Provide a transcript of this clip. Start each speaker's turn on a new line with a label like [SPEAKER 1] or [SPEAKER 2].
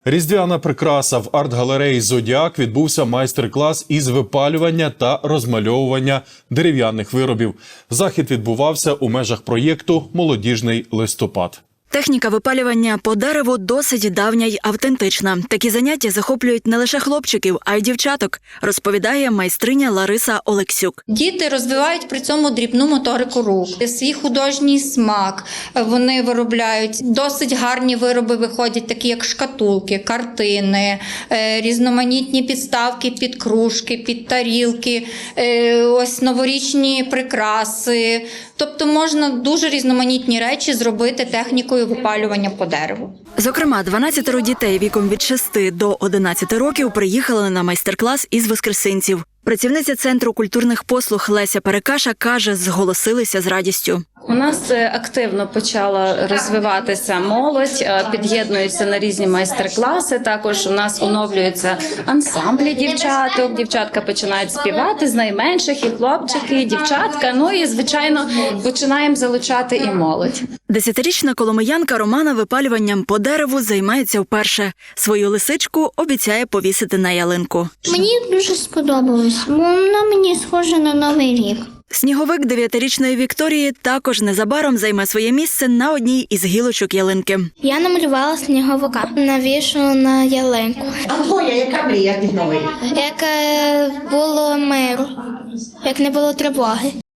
[SPEAKER 1] Різдвяна прикраса. В арт-галереї «Зодіак» відбувся майстер-клас із випалювання та розмальовування дерев'яних виробів. Захід відбувався у межах проєкту «Молодіжний листопад».
[SPEAKER 2] Техніка випалювання по дереву досить давня й автентична. Такі заняття захоплюють не лише хлопчиків, а й дівчаток, розповідає майстриня Лариса Олексюк.
[SPEAKER 3] Діти розвивають при цьому дрібну моторику рук, свій художній смак. Вони виробляють досить гарні вироби, виходять такі як шкатулки, картини, різноманітні підставки під кружки, під тарілки, ось новорічні прикраси. Тобто можна дуже різноманітні речі зробити технікою випалювання по дереву.
[SPEAKER 2] Зокрема, 12 дітей віком від 6 до 11 років приїхали на майстер-клас із Воскресенців. Працівниця Центру культурних послуг Леся Перекаша каже, зголосилися з радістю.
[SPEAKER 4] У нас активно почала розвиватися молодь, під'єднуються на різні майстер-класи. Також у нас оновлюються ансамблі дівчаток. Дівчатка починають співати з найменших, і хлопчики, і дівчатка. Ну і, звичайно, починаємо залучати і молодь.
[SPEAKER 2] 10-річна коломиянка Романа випалюванням по дереву займається вперше. Свою лисичку обіцяє повісити на ялинку.
[SPEAKER 5] Мені дуже сподобалось, бо вона мені схожа на Новий рік.
[SPEAKER 2] Сніговик 9-річної Вікторії також незабаром займе своє місце на одній із гілочок ялинки.
[SPEAKER 5] Я намалювала сніговика, навішу на ялинку.
[SPEAKER 6] А твоя яка мрія від Нової?
[SPEAKER 5] Як було миру, як не було тривоги.